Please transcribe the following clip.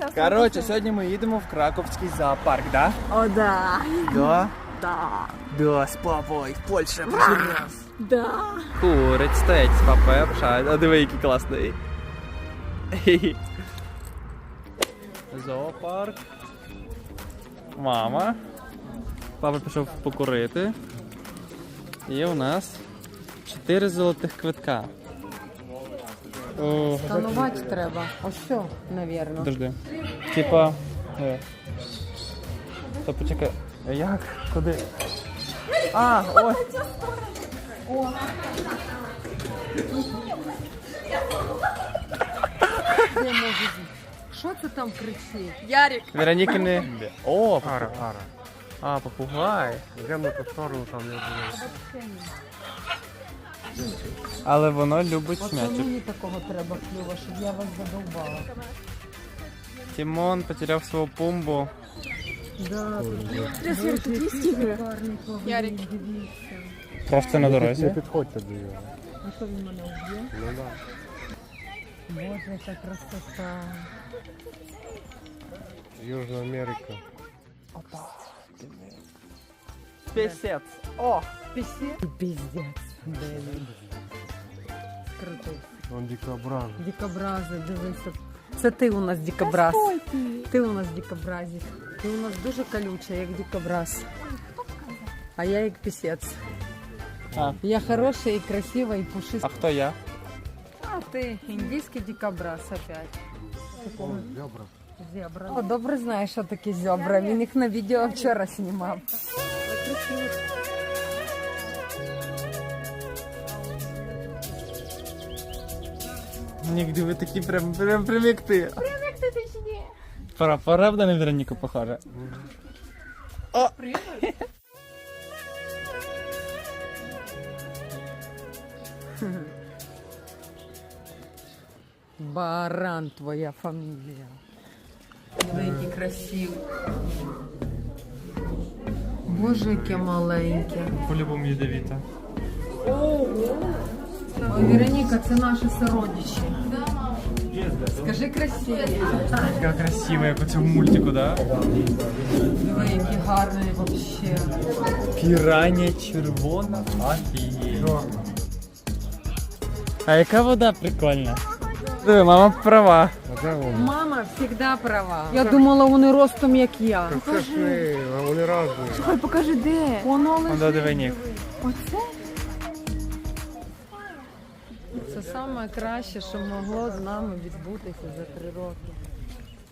Коротше, сьогодні ми їдемо в Краковський зоопарк, да? О, да. Да? Да. Да, з папою, в Польщі перший раз. Да. Курить, стоять з папою, обшають. А диви, який класний. Зоопарк. Мама. Папа пішов покурити. І у нас 4 золотих квитка. О, Сканувати треба. Ось все, навірно. подожди. Типа. То почекай. Як? Куди? А, ой. Де може бути? Що це там кричить? Ярик. Вероніка не... О, пара. А, попугай. Йдемо на ту сторону, там не буде. Але воно любить От м'ячик. мені такого треба клюва, щоб я вас задовбала. Тимон потеряв свого пумбу. Да, Ярик. дивіться. Просто на Не дорозі. підходьте до його. А що він мене вб'є? Ну да. Боже, яка красота. Южна Америка. Пісець. О! Піздець. Блін. Крутий. Вон дикобраз. Дикобрази, дивися. Це ти у нас дикобраз. Ти у нас дикобразик. Ти у нас дуже колюча, як дикобраз. А я як пісець. А. Я хороша і красива, і пушиста. А хто я? А ти індійський дикобраз опять. Зебра. Зебра. О, добре знаєш, що таке зебра. Він їх на відео вчора знімав. Нігде ви такі прям як ти. Правда на Вероніку похоже? О! Баран твоя фамілія. Який красивий. Боже, яке маленьке. По-любому ядовіта. Ой, Вероніка, це наші сородичі. Скажи красиві. Яка красива, як у цьому мультику, да? Диви, які гарні вообще. Піранія червона. Офігеть. А яка вода прикольна. Диви, мама права. А де вони? Мама завжди права. Я думала, вони ростом, як я. Покажи, а вони разні. Ой, покажи, де? Воно Вода диви ніг. Оце? Це найкраще, що могло з нами відбутися за 3 роки.